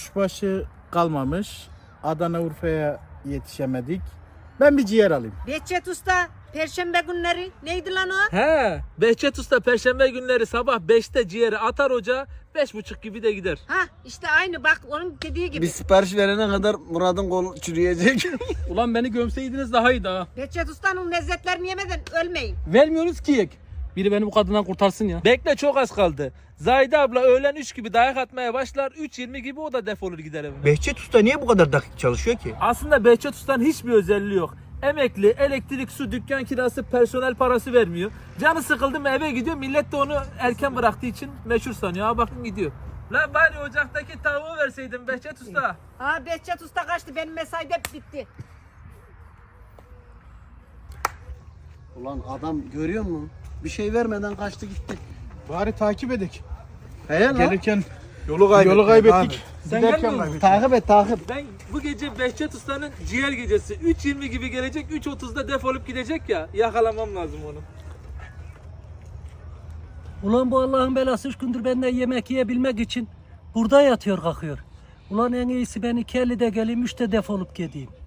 Kuşbaşı kalmamış. Adana Urfa'ya yetişemedik. Ben bir ciğer alayım. Behçet Usta, Perşembe günleri neydi lan o? He, Behçet Usta perşembe günleri sabah 5'te ciğeri atar ocağa, 5.30 gibi de gider. Ha işte aynı bak onun dediği gibi. Bir sipariş verene kadar Murat'ın kolu çürüyecek. Ulan beni gömseydiniz daha iyiydi ha. Behçet Usta'nın lezzetlerini yemeden ölmeyin. Vermiyoruz ki yek. Biri beni bu kadından kurtarsın ya. Bekle, çok az kaldı. Zahide abla öğlen 3 gibi dayak atmaya başlar, 3.20 gibi o da defolur gider evine. Behçet Usta niye bu kadar dakik çalışıyor ki? Aslında Behçet Usta'nın hiçbir özelliği yok. Emekli, elektrik, su, dükkan kirası, personel parası vermiyor. Canı sıkıldı mı eve gidiyor, millet de onu erken bıraktığı için meşhur sanıyor. Ha bakın gidiyor. Lan bari ocaktaki tavuğu verseydin Behçet Usta. Ha Behçet Usta kaçtı, benim mesai de bitti. Ulan adam görüyor musun? Bir şey vermeden kaçtı gitti. Bari takip edek. He lan. Gelirken Yolu yolu kaybettik. Sen Giderken gelmiyor musun? kaybettik. Takip et takip. Ben bu gece Behçet Usta'nın ciğer gecesi 3.20 gibi gelecek, 3.30'da defolup gidecek ya, yakalamam lazım onu. Ulan bu Allah'ın belası 3 gündür benden yemek yiyebilmek için burada yatıyor kalkıyor. Ulan en iyisi ben 2.50'de geleyim 3'te defolup gideyim.